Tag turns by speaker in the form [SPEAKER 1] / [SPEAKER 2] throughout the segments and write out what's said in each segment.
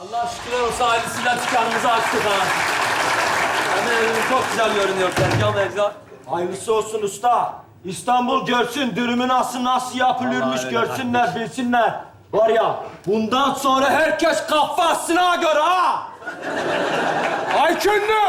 [SPEAKER 1] Allah şükürler olsun ailesiyle dükkanımızı açtık ha. Yani evimiz çok güzel görünüyor tezgah mezgah.
[SPEAKER 2] Hayırlısı olsun usta. İstanbul görsün dürümü nasıl yapılırmış
[SPEAKER 1] Vallahi öyle
[SPEAKER 2] görsünler, bilsinler. Var ya, bundan sonra herkes kafasına göre ha! Aykünlü!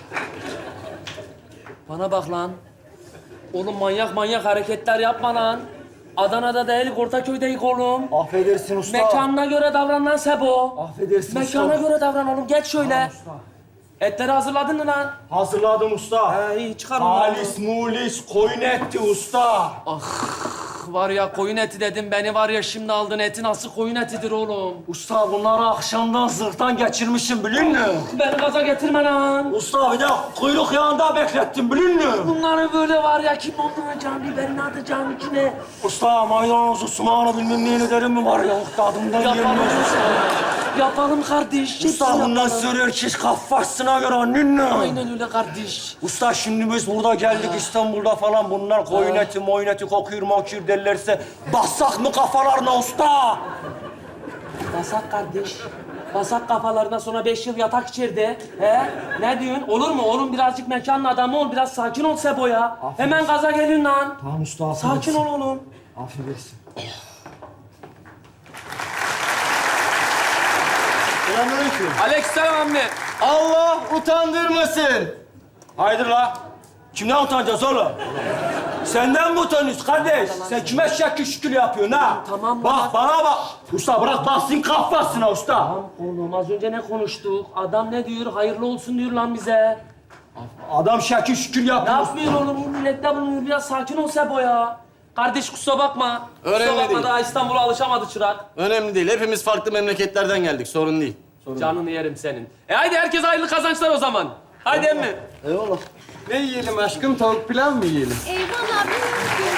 [SPEAKER 1] Bana bak lan. Oğlum manyak hareketler yapma lan. Adana'da değil, Ortaköy'deyiz oğlum.
[SPEAKER 2] Affedersin usta.
[SPEAKER 1] Mekanına göre davran lan Sebo.
[SPEAKER 2] Affedersin
[SPEAKER 1] Mekana
[SPEAKER 2] usta.
[SPEAKER 1] göre davran oğlum, geç şöyle.
[SPEAKER 2] Tamam usta.
[SPEAKER 1] Etleri hazırladın mı lan?
[SPEAKER 2] Hazırladım usta.
[SPEAKER 1] İyi çıkar onları.
[SPEAKER 2] Halis mulis koyun etti usta.
[SPEAKER 1] Var ya koyun eti dedim, beni var ya şimdi aldın, eti nasıl koyun etidir oğlum?
[SPEAKER 2] Usta bunları akşamdan zırhtan geçirmişim biliyor musun?
[SPEAKER 1] Beni gaza getirme lan.
[SPEAKER 2] Usta bir de kuyruk yağında beklettim biliyor musun?
[SPEAKER 1] Bunları böyle var ya, kim dolduracağım, biberini atacağım içine.
[SPEAKER 2] Usta maydanozu, sumağını bilmem neyini derim mi var ya? Tadımdan
[SPEAKER 1] Yapalım
[SPEAKER 2] yenmez.
[SPEAKER 1] usta. Yapalım kardeş.
[SPEAKER 2] Usta
[SPEAKER 1] hepsini
[SPEAKER 2] bundan
[SPEAKER 1] yapalım.
[SPEAKER 2] sonra herkes kafasına göre anladın mı?
[SPEAKER 1] Aynen öyle kardeş.
[SPEAKER 2] Usta şimdi biz burada geldik İstanbul'da falan bunlar koyun eti, moyun eti kokuyor mokuyur derlerse bassak mı kafalarına usta?
[SPEAKER 1] Basak kardeş. Basak kafalarına, sonra 5 yıl yatak içeride. He? Ne diyorsun? Olur mu? Oğlum birazcık mekanın adamı ol. Biraz sakin ol Sebo ya. Hemen gaza gelin lan.
[SPEAKER 2] Tamam usta
[SPEAKER 1] Sakin ol oğlum.
[SPEAKER 2] Affedersin.
[SPEAKER 3] Selamünaleyküm.
[SPEAKER 1] Aleykümselam ammi.
[SPEAKER 3] Allah utandırmasın.
[SPEAKER 2] Haydi la. Kimden utanacağız oğlum? Senden mi utanıyorsun kardeş? Sen kime şekil yapıyorsun ha?
[SPEAKER 1] Tamam,
[SPEAKER 2] Bak bana bak. Usta bırak bassın kafasına usta.
[SPEAKER 1] Tamam oğlum, az önce ne konuştuk? Adam ne diyor? Hayırlı olsun diyor lan bize.
[SPEAKER 2] Adam şekil
[SPEAKER 1] Ne
[SPEAKER 2] yapıyor.
[SPEAKER 1] yapmıyor oğlum? Bu millette bulunuyor. Biraz sakin ol Sebo ya. Kardeş kusura bakma.
[SPEAKER 3] Önemli
[SPEAKER 1] Kusura bakma,
[SPEAKER 3] değil.
[SPEAKER 1] daha İstanbul'a alışamadı çırak.
[SPEAKER 3] Önemli değil. Hepimiz farklı memleketlerden geldik. Sorun değil.
[SPEAKER 1] Canını yerim senin. Haydi herkes hayırlı kazançlar o zaman. Haydi emmi.
[SPEAKER 3] Eyvallah. Ne yiyelim aşkım? Tavuk pilav mı yiyelim?
[SPEAKER 4] Vallahi bilmiyorum ki.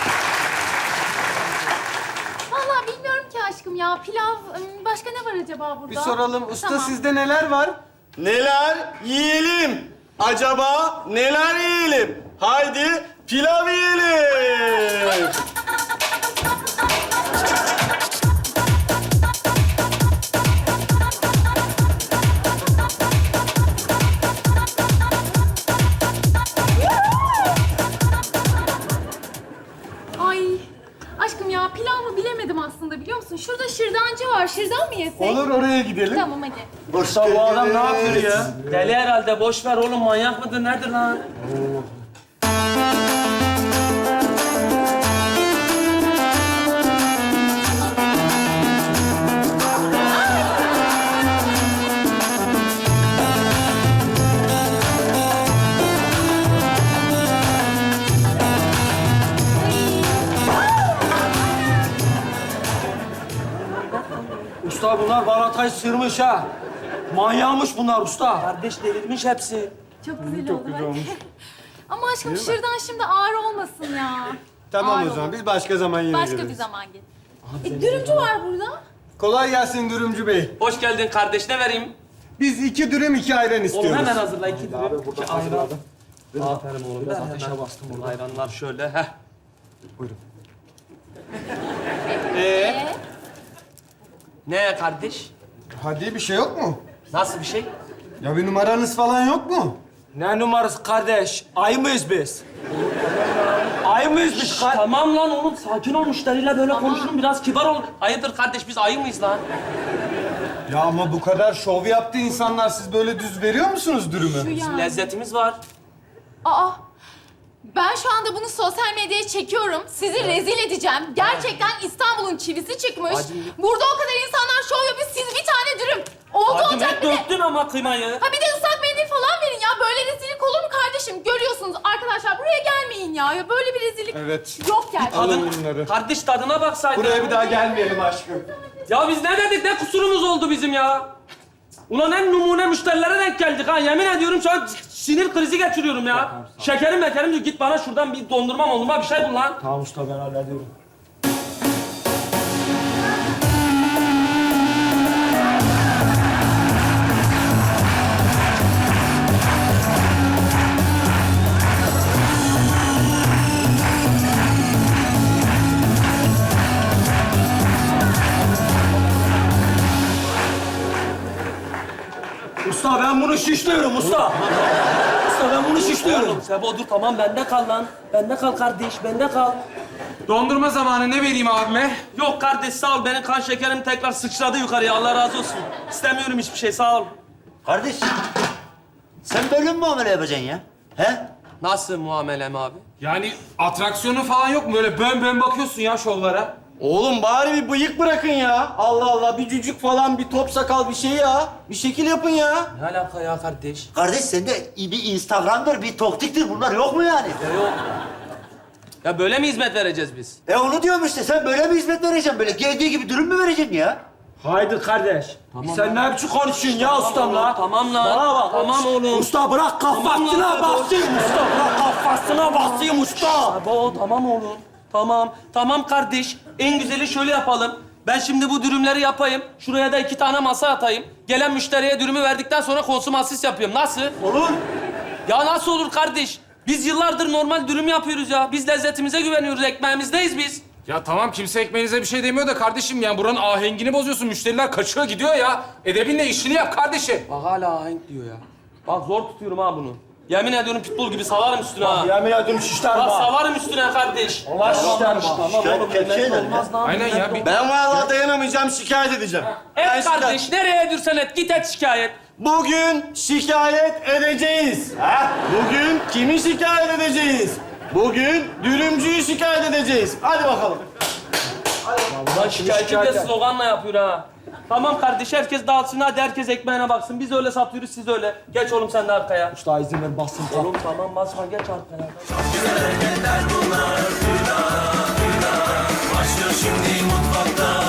[SPEAKER 4] Vallahi bilmiyorum ki aşkım ya. Pilav, başka ne var acaba burada?
[SPEAKER 5] Bir soralım. Usta
[SPEAKER 4] Tamam.
[SPEAKER 5] sizde neler var?
[SPEAKER 3] Neler yiyelim? Acaba neler yiyelim? Haydi pilav yiyelim.
[SPEAKER 4] Ay aşkım ya pilav mı bilemedim aslında biliyor musun? Şurada şırdancı var. Şırdan mı yesek?
[SPEAKER 5] Olur oraya gidelim.
[SPEAKER 4] Tamam hadi.
[SPEAKER 2] Usta bu adam ne yapıyor ya?
[SPEAKER 1] Deli herhalde. Boş ver oğlum. Manyak mıdır? Nedir lan?
[SPEAKER 2] Usta bunlar balatayı sırmış ha. Manyağmış bunlar usta.
[SPEAKER 1] Kardeş delirmiş hepsi.
[SPEAKER 4] Çok güzel oldu. Bak. Ama aşkım şırdan şimdi ağır olmasın ya.
[SPEAKER 5] Tamam
[SPEAKER 4] Ağır
[SPEAKER 5] o zaman.
[SPEAKER 4] olmasın.
[SPEAKER 5] Biz başka zaman yine
[SPEAKER 4] Başka
[SPEAKER 5] geliriz.
[SPEAKER 4] bir zaman gel. Dürümcü var burada.
[SPEAKER 5] Kolay gelsin dürümcü bey.
[SPEAKER 1] Hoş geldin kardeş. Ne vereyim?
[SPEAKER 5] Biz 2 dürüm 2 ayran
[SPEAKER 1] Oğlum
[SPEAKER 5] istiyoruz.
[SPEAKER 1] hemen hazırla. 2 dürüm. 2 ayran. Aferin oğlum. Biraz ateşe bastım burada. Ayranlar şöyle. Heh.
[SPEAKER 4] Ee?
[SPEAKER 1] Ne kardeş?
[SPEAKER 5] Hadi bir şey yok mu?
[SPEAKER 1] Nasıl bir şey?
[SPEAKER 5] Ya bir numaranız falan yok mu?
[SPEAKER 2] Ne numarası kardeş? Ay mıyız biz? Ay mıyız biz?
[SPEAKER 1] Tamam lan oğlum. Sakin ol. Müşteriyle böyle konuşun. Biraz kibar ol. Hayırdır kardeş, biz ayı mıyız lan?
[SPEAKER 5] Ya ama bu kadar şov yaptı insanlar. Siz böyle düz veriyor musunuz dürümü?
[SPEAKER 4] Şu
[SPEAKER 1] Bizim
[SPEAKER 4] yani.
[SPEAKER 1] lezzetimiz var.
[SPEAKER 4] Aa, ben şu anda bunu sosyal medyaya çekiyorum. Sizi rezil edeceğim. Gerçekten İstanbul'un çivisi çıkmış. Burada o kadar insanlar şov yapıyor. Siz bir tane dürüm. Oldu
[SPEAKER 1] Hadi
[SPEAKER 4] olacak bir de.
[SPEAKER 1] döktün ama kıymayı.
[SPEAKER 4] Ha bir de ıslak mendil falan verin ya. Böyle rezillik olur mu kardeşim? Görüyorsunuz arkadaşlar buraya gelmeyin ya. Ya böyle bir rezillik
[SPEAKER 5] Evet.
[SPEAKER 4] yok gerçekten.
[SPEAKER 5] Alın bunları.
[SPEAKER 1] Kardeş tadına baksaydın.
[SPEAKER 5] Buraya bir daha gelmeyelim aşkım.
[SPEAKER 1] Ya biz ne dedik? Ne kusurumuz oldu bizim ya? Ulan en numune müşterilere denk geldik ha. Yemin ediyorum şu an sinir krizi geçiriyorum ya. Şekerim diyor. Git bana şuradan bir dondurma bir şey bul lan.
[SPEAKER 2] Tamam usta ben hallediyorum. Usta ben bunu şişliyorum usta. Usta ben bunu şişliyorum.
[SPEAKER 1] Oğlum Sebo dur tamam bende kal lan. Bende kal kardeş, bende kal.
[SPEAKER 6] Dondurma zamanı ne vereyim abime?
[SPEAKER 1] Yok kardeş sağ ol. Benim kan şekerim tekrar sıçradı yukarıya. Allah razı olsun. İstemiyorum hiçbir şey sağ ol.
[SPEAKER 7] Kardeş, sen böyle mi muamele yapacaksın ya? He?
[SPEAKER 1] Nasıl muamelem abi?
[SPEAKER 6] Yani atraksiyonu falan yok mu? Böyle bön bön bakıyorsun ya şovlara.
[SPEAKER 3] Oğlum bari bir bıyık bırakın ya. Allah Allah bir cücük falan bir top sakal bir şey ya. Bir şekil yapın ya.
[SPEAKER 1] Ne alaka ya kardeş?
[SPEAKER 7] Kardeş sende bir Instagram'dır, bir toktiktir. Bunlar yok mu yani?
[SPEAKER 1] Yok. Ya böyle mi hizmet vereceğiz biz?
[SPEAKER 7] Onu diyorum işte. Sen böyle mi hizmet vereceksin? Böyle geldiği gibi dürüm mü vereceksin ya?
[SPEAKER 2] Haydi kardeş. Sen ne biçim konuşuyorsun ya ustam la?
[SPEAKER 1] Tamam lan.
[SPEAKER 2] Bana bak.
[SPEAKER 1] Tamam oğlum.
[SPEAKER 2] Usta bırak kafasına
[SPEAKER 1] lan,
[SPEAKER 2] basayım usta. Bırak kafasına basayım usta.
[SPEAKER 1] Sebo tamam oğlum. Tamam. Tamam kardeş. En güzeli şöyle yapalım. Ben şimdi bu dürümleri yapayım. Şuraya da 2 tane masa atayım. Gelen müşteriye dürümü verdikten sonra konsumasis yapıyorum. Nasıl?
[SPEAKER 2] Olur.
[SPEAKER 1] Ya nasıl olur kardeş? Biz yıllardır normal dürüm yapıyoruz ya. Biz lezzetimize güveniyoruz. Ekmeğimizdeyiz biz.
[SPEAKER 6] Ya tamam kimse ekmeğinize bir şey demiyor da kardeşim yani buranın ahengini bozuyorsun. Müşteriler kaçıyor gidiyor ya. Edebinle işini yap kardeşim.
[SPEAKER 1] Bak hala ahenk diyor ya. Bak zor tutuyorum ha bunu. Yemin ediyorum pitbull gibi salarım üstüne ha.
[SPEAKER 2] Yemin ediyorum şişler
[SPEAKER 1] Bak
[SPEAKER 2] bak.
[SPEAKER 1] savarım üstüne kardeş.
[SPEAKER 2] Allah şişler bak.
[SPEAKER 1] Tamam oğlum
[SPEAKER 7] Şikayet
[SPEAKER 1] minnet
[SPEAKER 7] eder
[SPEAKER 1] olmaz lan.
[SPEAKER 6] Aynen
[SPEAKER 1] minnet
[SPEAKER 6] ya,
[SPEAKER 1] olmaz.
[SPEAKER 3] Ben vallahi dayanamayacağım şikayet edeceğim. Ben
[SPEAKER 1] Et kardeş nereye edürsen et git et şikayet.
[SPEAKER 3] Bugün şikayet edeceğiz. Bugün kimi şikayet edeceğiz? Bugün dürümcüyü şikayet edeceğiz. Hadi bakalım.
[SPEAKER 1] Lan şikayetçi de sloganla yapıyor ha. Tamam kardeş herkes dağıtsın hadi herkes ekmeğine baksın. Biz öyle satıyoruz siz öyle. Geç oğlum sen de arkaya.
[SPEAKER 2] Usta izin ver bassın.
[SPEAKER 1] Oğlum tamam basma geç arkaya.
[SPEAKER 8] Başlıyor şimdi mutfakta